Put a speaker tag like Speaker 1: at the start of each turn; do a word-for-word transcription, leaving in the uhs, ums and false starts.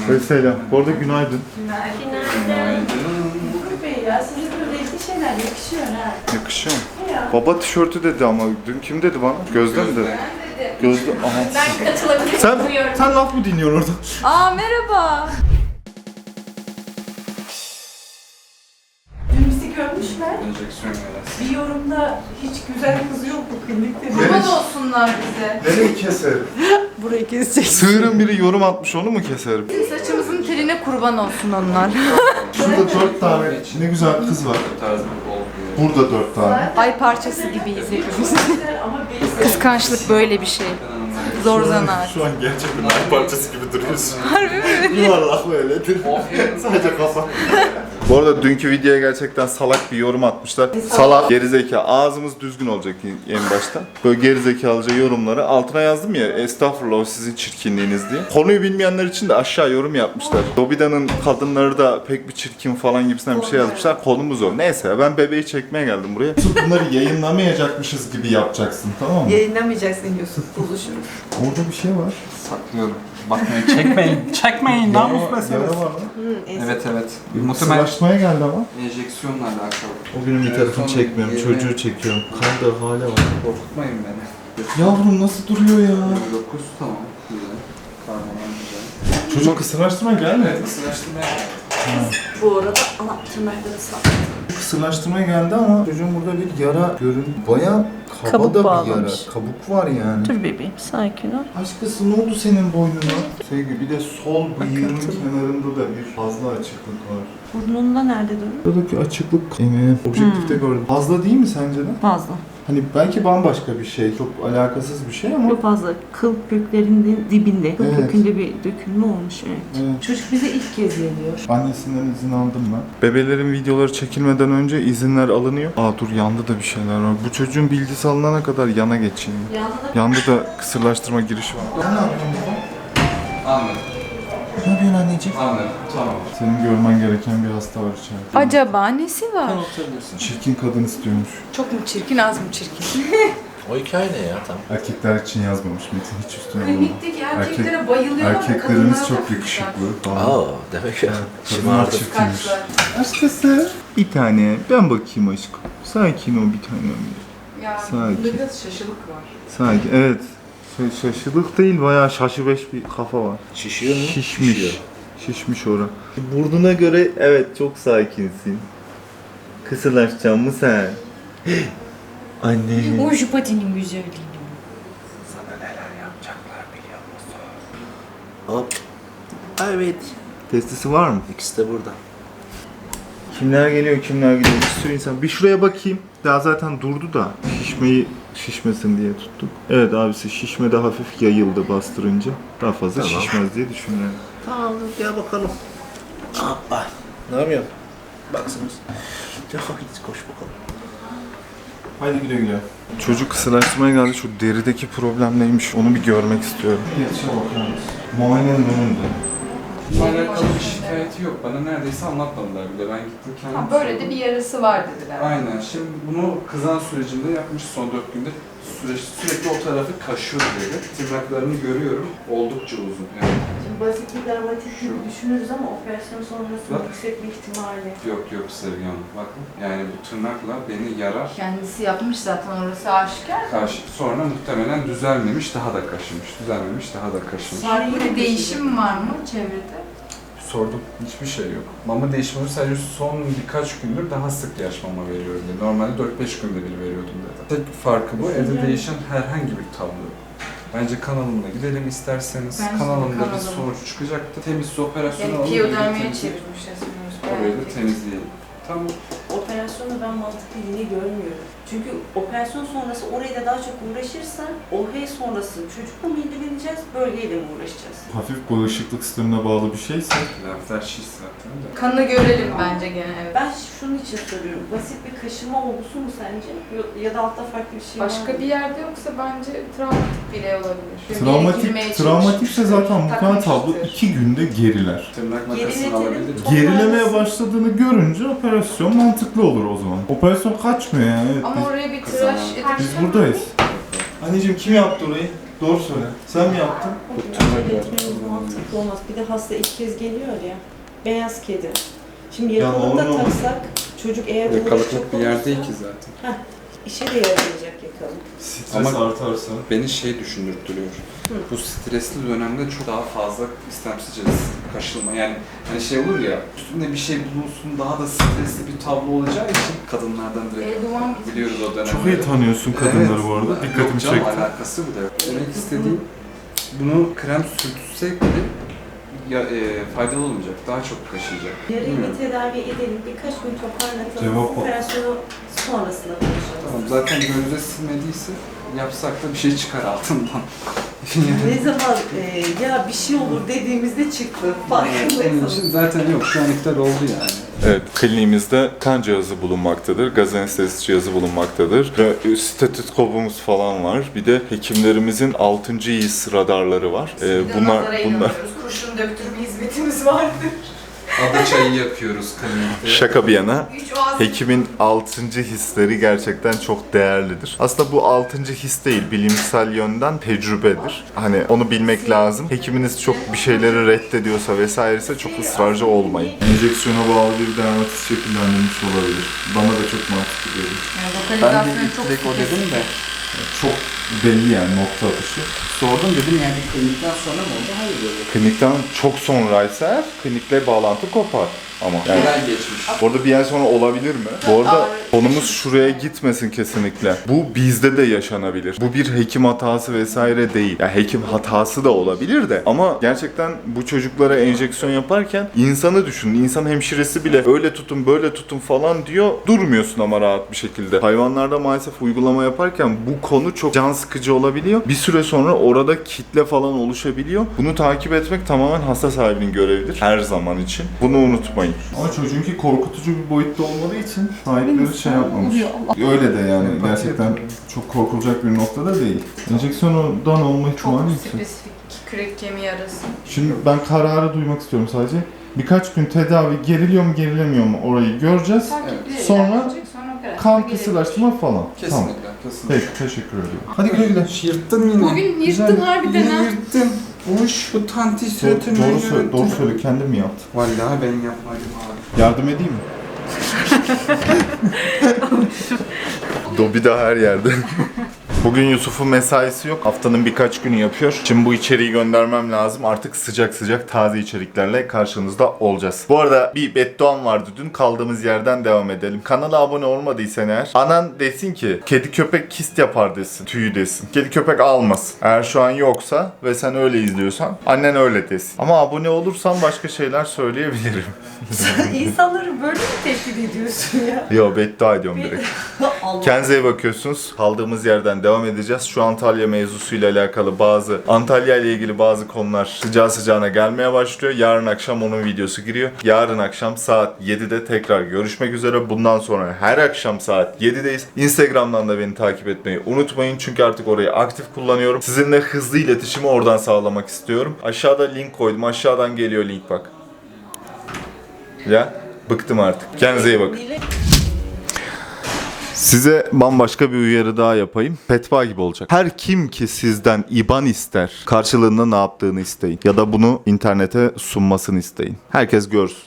Speaker 1: Vesselam. Bu arada günaydın.
Speaker 2: Günaydın. Uğur Bey ya, size böyle renkli şeyler yakışıyor ha.
Speaker 1: Yakışıyor mu? Baba tişörtü dedi ama dün kim dedi bana? Gözde mi dedi? Gözde. Aha.
Speaker 2: Ben katılabilirim.
Speaker 1: Sen,
Speaker 2: Buyurun.
Speaker 1: sen laf mı dinliyorsun orada?
Speaker 3: Aa merhaba.
Speaker 2: Dün bizi görmüşler.
Speaker 4: Enjeksiyon yarası.
Speaker 2: Bir yorumda hiç güzel kız yok bu klinikte.
Speaker 3: Kurban olsunlar bize.
Speaker 1: Nereyi keserim?
Speaker 3: Burayı kesecek.
Speaker 1: Sığırın biri yorum atmış, onu mu keserim?
Speaker 3: Bizim saçımızın teline kurban olsun onlar.
Speaker 1: Şurada dört tane ne güzel kız var.
Speaker 4: Bu tarz bir olmuyor.
Speaker 1: Burada dört tane.
Speaker 3: Ay parçası gibiyiz hepimiz.
Speaker 2: Ama benim
Speaker 3: Kıskançlık böyle bir şey. Zor zanaat.
Speaker 1: Şu an gerçekten bir parçası gibi duruyorsun.
Speaker 3: Harbi mi?
Speaker 1: Yuvarlak böyledir. Sadece kafa. Bu arada dünkü videoya gerçekten salak bir yorum atmışlar. Salak, gerizekalı. Ağzımız düzgün olacak en başta. Böyle gerizekalıca yorumları altına yazdım ya, estağfurullah o sizin çirkinliğiniz diye. Konuyu bilmeyenler için de aşağı yorum yapmışlar. Dobida'nın kadınları da pek bir çirkin falan gibisinden bir şey yazmışlar. Konumuz o. Neyse ben bebeği çekmeye geldim buraya. Bunları yayınlamayacakmışız gibi yapacaksın, tamam mı?
Speaker 3: Yayınlamayacaksın Yusuf buluşunu.
Speaker 1: Orada bir şey var.
Speaker 4: Saklıyorum. Bakmayın, çekmeyin. Çekmeyin, namus meselesi.
Speaker 1: Yara var mı?
Speaker 4: Evet evet.
Speaker 1: Bir
Speaker 4: Muhtemelen
Speaker 1: sıraşmaya geldi ama.
Speaker 4: enjeksiyonla alakalı.
Speaker 1: O günün bir tarafını
Speaker 4: Son
Speaker 1: çekmiyorum,
Speaker 4: yirmi
Speaker 1: çocuğu çekiyorum. Kan da hala var.
Speaker 4: Korkutmayın beni.
Speaker 1: Yavrum nasıl duruyor ya?
Speaker 4: yirmi dokuz tamam. Güzel. Karmadan güzel.
Speaker 1: Çocuk kısırlaştırma gelmedi.
Speaker 4: Evet, ısıraştırmaya
Speaker 2: bu arada ana tırnakları sağ.
Speaker 1: Kısırlaştırmaya geldi ama çocuğun burada bir yara görün. Baya kaba
Speaker 3: Kabuk
Speaker 1: da bir
Speaker 3: bağlamış.
Speaker 1: yara. Kabuk var yani.
Speaker 3: Dur bebeğim sakin ol.
Speaker 1: Aşkısı ne oldu senin boynuna? Sevgi bir de sol bıyığının kenarında da bir fazla açıklık var.
Speaker 3: Burnunda nerede duruyor?
Speaker 1: Buradaki açıklık emeği objektifte gördüm. Fazla değil mi sence de?
Speaker 5: Fazla.
Speaker 1: Hani belki bambaşka bir şey, çok alakasız bir şey ama...
Speaker 5: Çok fazla. Kıl köklerinin dibinde. Kıl
Speaker 1: Evet.
Speaker 5: kökünde bir dökülme olmuş. Evet.
Speaker 1: Evet.
Speaker 2: Çocuk bize ilk kez geliyor.
Speaker 1: Annesinden izin aldım ben. Bebelerin videoları çekilmeden önce izinler alınıyor. Aa dur yanda da bir şeyler var. Bu çocuğun bilgisi alınana kadar yana geçeyim.
Speaker 2: Yanında
Speaker 1: Yanda da kısırlaştırma girişi var. Ne yapıyorsun baba?
Speaker 4: Anladım.
Speaker 1: Ne yapıyorsun anneciğim?
Speaker 4: Anladım. Tamam.
Speaker 1: Senin görmen gereken bir hasta var içeride.
Speaker 3: Acaba nesi var?
Speaker 4: Oturabilirsin.
Speaker 1: Çirkin kadın istiyormuş.
Speaker 3: Çok mu çirkin az mı çirkin?
Speaker 6: O hikaye ne ya tam?
Speaker 1: Erkekler için yazmamış Metin, hiç üstüne vurma.
Speaker 3: Klinikteki erkeklere bayılıyorlar.
Speaker 1: Erkeklerimiz çok yakışıklı.
Speaker 6: Aa demek ya.
Speaker 1: Kadınlar
Speaker 6: Şımardı.
Speaker 1: çirkinmiş. Aşkısı. Bir tane. Ben bakayım aşkım. Sakin ol bir tanem.
Speaker 3: Ya
Speaker 1: Sakin.
Speaker 3: bunda biraz şaşılık var.
Speaker 1: Sakin. Evet. Ş- şaşılık değil, bayağı şaşıbeş bir kafa var.
Speaker 6: Şişiyor mu?
Speaker 1: Şişmiş.
Speaker 6: Şişiyor.
Speaker 1: Şişmiş ora. Burnuna göre evet çok sakinsin. Kısırlaşacaksın mı sen? Anne.
Speaker 5: O jupatinin güzelliği.
Speaker 6: Sana neler yapacaklar biliyor musun? Hop. Evet.
Speaker 1: Testisi var mı?
Speaker 6: İkisi de burada.
Speaker 1: Kimler geliyor, kimler gidiyor? Bir sürü insan. Bir şuraya bakayım. Daha zaten durdu da şişmeyi şişmesin diye tuttuk. Evet abisi şişme de hafif yayıldı bastırınca. Daha fazla
Speaker 6: Tamam.
Speaker 1: şişmez diye düşünüyorum.
Speaker 6: Tamam gel bakalım. Hoppa. Ne yapıyorsun? Baksınız. Ya hiç koş bakalım.
Speaker 1: Haydi güle güle. Çocuk kısırlaştırmaya geldi. Şu derideki problem neymiş onu bir görmek istiyorum. Yetişe bakar mısın? Muayenenin önünde.
Speaker 4: Bununla alakalı bir şikayeti yok. Bana neredeyse anlatmadılar bile. Ben gittim kendim.
Speaker 3: Ha, böyle de bir yarası var dediler.
Speaker 4: Aynen. Şimdi bunu kızan sürecinde yapmış son dört günde. Süreç, sürekli o tarafı kaşıyor böyle. Tırnaklarını görüyorum. Oldukça uzun. Yani
Speaker 2: Şimdi basit bir dermatit gibi düşünürüz ama operasyon sonrası
Speaker 4: Bak.
Speaker 2: yüksek bir ihtimalle.
Speaker 4: yok yok Sevgi Hanım. Bakın. Yani bu tırnakla beni yarar.
Speaker 3: Kendisi yapmış zaten orası aşikar.
Speaker 4: Karşı, sonra muhtemelen düzelmemiş, daha da kaşımış. Düzelmemiş, daha da kaşımış.
Speaker 3: Farklı bir değişim var mı çevrede?
Speaker 4: Sordum. Hiçbir şey yok. Mama değişimi sadece son birkaç gündür daha sık yaş mama veriyorum dedi. Normalde dört beş günde bir veriyordum dedi. Tek farkı bu. Evde değişen herhangi bir tablo yok. Bence kanalımda gidelim isterseniz.
Speaker 3: Bence de
Speaker 4: Kanalımda bir
Speaker 3: kanalım.
Speaker 4: sonuç çıkacaktı. Temiz operasyonu
Speaker 3: Yani
Speaker 4: alalım.
Speaker 3: piyodermiye
Speaker 4: birlikte
Speaker 3: çevirmiş resmen.
Speaker 4: Orayı da temizleyelim. Tamam.
Speaker 2: Operasyonu ben mantıklı yine görmüyorum. Çünkü operasyon sonrası orayla daha çok uğraşırsan O H sonrası çocukla mı ilgileneceğiz, bölgeyle mi uğraşacağız?
Speaker 1: Hafif bağışıklık sistemine bağlı bir şeyse
Speaker 4: Laflar şiş zaten de.
Speaker 3: Kanı görelim bence gene evet.
Speaker 2: Ben şunun için soruyorum. Basit bir kaşıma olgusu mu sence? Ya da altta farklı bir şey var
Speaker 3: Başka
Speaker 2: mı?
Speaker 3: bir yerde yoksa bence travmatik bile olabilir. Bir yere girmeye
Speaker 1: travmatik, travmatikse
Speaker 3: çalışmış,
Speaker 1: zaten muhtemelen tablo
Speaker 3: takmıştır.
Speaker 1: iki günde geriler.
Speaker 4: Tırnak
Speaker 2: Geriletelim.
Speaker 4: makasını alabilir.
Speaker 2: Çok
Speaker 1: Gerilemeye
Speaker 2: mantıklı.
Speaker 1: başladığını görünce operasyon mantıklı olur o zaman. Operasyon kaçmıyor yani. Evet,
Speaker 3: Ama
Speaker 1: biz,
Speaker 3: oraya bir
Speaker 4: Kızana.
Speaker 3: tıraş edip
Speaker 1: biz buradayız. Anneciğim kim yaptı orayı? Doğru söyle. Sen mi yaptın?
Speaker 2: Acele etmemiz mantıklı olmaz. Bir de hasta ilk kez geliyor ya. Beyaz kedi. Şimdi
Speaker 1: Ya
Speaker 2: yakalım da
Speaker 1: olur mu?
Speaker 2: taksak çocuk eğer uğraşacak
Speaker 4: Yakalıklık bir yer
Speaker 2: olursa
Speaker 4: değil ki zaten.
Speaker 2: işe de yaramayacak yakalım.
Speaker 1: Stres
Speaker 4: Ama-
Speaker 1: artarsa.
Speaker 4: Beni şey düşündürtüyor.
Speaker 2: Hı.
Speaker 4: Bu stresli dönemde çok daha fazla istemsizce kaşılma. Yani hani şey olur ya, üstünde bir şey bulunsun, daha da stresli bir tablo olacağı için kadınlardan direkt
Speaker 3: Eldivan
Speaker 4: biliyoruz o dönemleri.
Speaker 1: Çok iyi tanıyorsun kadınları bu arada. Dikkatimi
Speaker 4: Yok canım,
Speaker 1: çekti.
Speaker 4: alakası bile yok. Demek istediğim, bunu krem sürtsek bile ya, e, faydalı olmayacak, daha çok kaşıyacak.
Speaker 2: Yarın
Speaker 4: Bilmiyorum.
Speaker 2: bir tedavi edelim, birkaç gün toparlatalım.
Speaker 1: Cevap o.
Speaker 2: Operasyonu sonrasında konuşalım.
Speaker 4: Tamam, zaten gözde silmediyse yapsak da bir şey çıkar altından.
Speaker 2: Ne zaman e, ya bir şey olur dediğimizde çıktı.
Speaker 4: Onun
Speaker 2: Farkındaysanız.
Speaker 4: için zaten yok, şu an iptal oldu yani.
Speaker 1: Evet, kliniğimizde kan cihazı bulunmaktadır, gaz anestezisi cihazı bulunmaktadır ve stetoskopumuz falan var. Bir de hekimlerimizin altıncı his radarları var. Ee,
Speaker 3: Bir de
Speaker 1: bunlar
Speaker 3: nazara
Speaker 1: bunlar
Speaker 3: inanıyoruz. Kurşun döktürme hizmetimiz vardır.
Speaker 4: Ada çayı yapıyoruz klinikte.
Speaker 1: şaka bir yana.
Speaker 3: Üç oğaz.
Speaker 1: Hekimin altıncı hisleri gerçekten çok değerlidir. Aslında bu altıncı his değil, bilimsel yönden tecrübedir. Hani onu bilmek lazım. Hekiminiz çok bir şeyleri reddediyorsa vesairese çok ısrarcı olmayın. Enjeksiyona bağlı bir dermatitis şekillendirmiş olabilir. Bana da çok mantıklı geliyor.
Speaker 3: Yani
Speaker 4: Ben de
Speaker 3: lokalizasyonu
Speaker 4: ilk
Speaker 3: çok
Speaker 4: direkt o dedim de
Speaker 1: Çok belli yani nokta atışı.
Speaker 4: sordum dedim yani klinikten sonra mı oldu? Hayır dedi.
Speaker 1: Klinikten çok sonraysa eğer klinikle bağlantı kopar. Ama yani
Speaker 4: Neden geçmiş?
Speaker 1: orada bir ay sonra olabilir mi? Bu arada konumuz şuraya gitmesin kesinlikle. Bu bizde de yaşanabilir. Bu bir hekim hatası vesaire değil. Ya hekim hatası da olabilir de ama gerçekten bu çocuklara enjeksiyon yaparken insanı düşünün. İnsan hemşiresi bile öyle tutun böyle tutun falan diyor. Durmuyorsun ama rahat bir şekilde. Hayvanlarda maalesef uygulama yaparken bu konu çok can sıkıcı olabiliyor. Bir süre sonra orada kitle falan oluşabiliyor. Bunu takip etmek tamamen hasta sahibinin görevidir. Her zaman için. Bunu unutmayın. Ama çocuğunki korkutucu bir boyutta olmadığı için sahipleri şey yapmamış. Öyle de yani gerçekten çok korkulacak bir noktada değil. Enjeksiyondan olma
Speaker 3: çok
Speaker 1: ihtimali yüksek.
Speaker 3: spesifik kürek kemiği arası.
Speaker 1: Şimdi ben kararı duymak istiyorum sadece. Birkaç gün tedavi geriliyor mu gerilemiyor mu orayı göreceğiz.
Speaker 3: Takipli
Speaker 1: Sonra
Speaker 3: ilerleyecek, sonra operasyon
Speaker 1: Kan
Speaker 3: gelecek.
Speaker 1: kısırlaştırma falan. Tamam.
Speaker 4: Kesinlikle. Kesinlikle.
Speaker 1: Peki teşekkür ediyorum. Hadi güle güle.
Speaker 4: Yırttın yine.
Speaker 3: Bugün yırttın
Speaker 4: Güzel.
Speaker 3: harbiden
Speaker 4: Yine
Speaker 3: ha.
Speaker 4: yırttın. Uş bu tanti
Speaker 1: Doğru,
Speaker 4: suratını
Speaker 1: doğru, söyle, doğru söyle kendin mi yaptın?
Speaker 4: Vallahi ben yapmadım abi.
Speaker 1: Yardım edeyim mi? Dobi de her yerde. Bugün Yusuf'un mesaisi yok. Haftanın birkaç günü yapıyor. Şimdi bu içeriği göndermem lazım. Artık sıcak sıcak taze içeriklerle karşınızda olacağız. Bu arada bir bedduam vardı dün. Kaldığımız yerden devam edelim. Kanala abone olmadıysan eğer anan desin ki kedi köpek kist yapar desin. Tüyü desin. Kedi köpek almasın. Eğer şu an yoksa ve sen öyle izliyorsan annen öyle desin. Ama abone olursan başka şeyler söyleyebilirim.
Speaker 2: Sen insanları böyle mi tehdit ediyorsun ya?
Speaker 1: Yo beddua ediyorum direkt.
Speaker 2: Allah.
Speaker 1: Kendinize iyi bakıyorsunuz. Kaldığımız yerden devam edeceğiz. Şu Antalya mevzusuyla alakalı bazı, Antalya ile ilgili bazı konular sıcağı sıcağına gelmeye başlıyor. Yarın akşam onun videosu giriyor. Yarın akşam saat yedide tekrar görüşmek üzere. Bundan sonra her akşam saat yedideyiz. Instagram'dan da beni takip etmeyi unutmayın. Çünkü artık orayı aktif kullanıyorum. Sizinle hızlı iletişimi oradan sağlamak istiyorum. Aşağıda link koydum. Aşağıdan geliyor link bak. Ya bıktım artık. Kendinize iyi bakın. Size bambaşka bir uyarı daha yapayım. Fetva gibi olacak. Her kim ki sizden I B A N ister, karşılığında ne yaptığını isteyin. Ya da bunu internete sunmasını isteyin. Herkes görsün.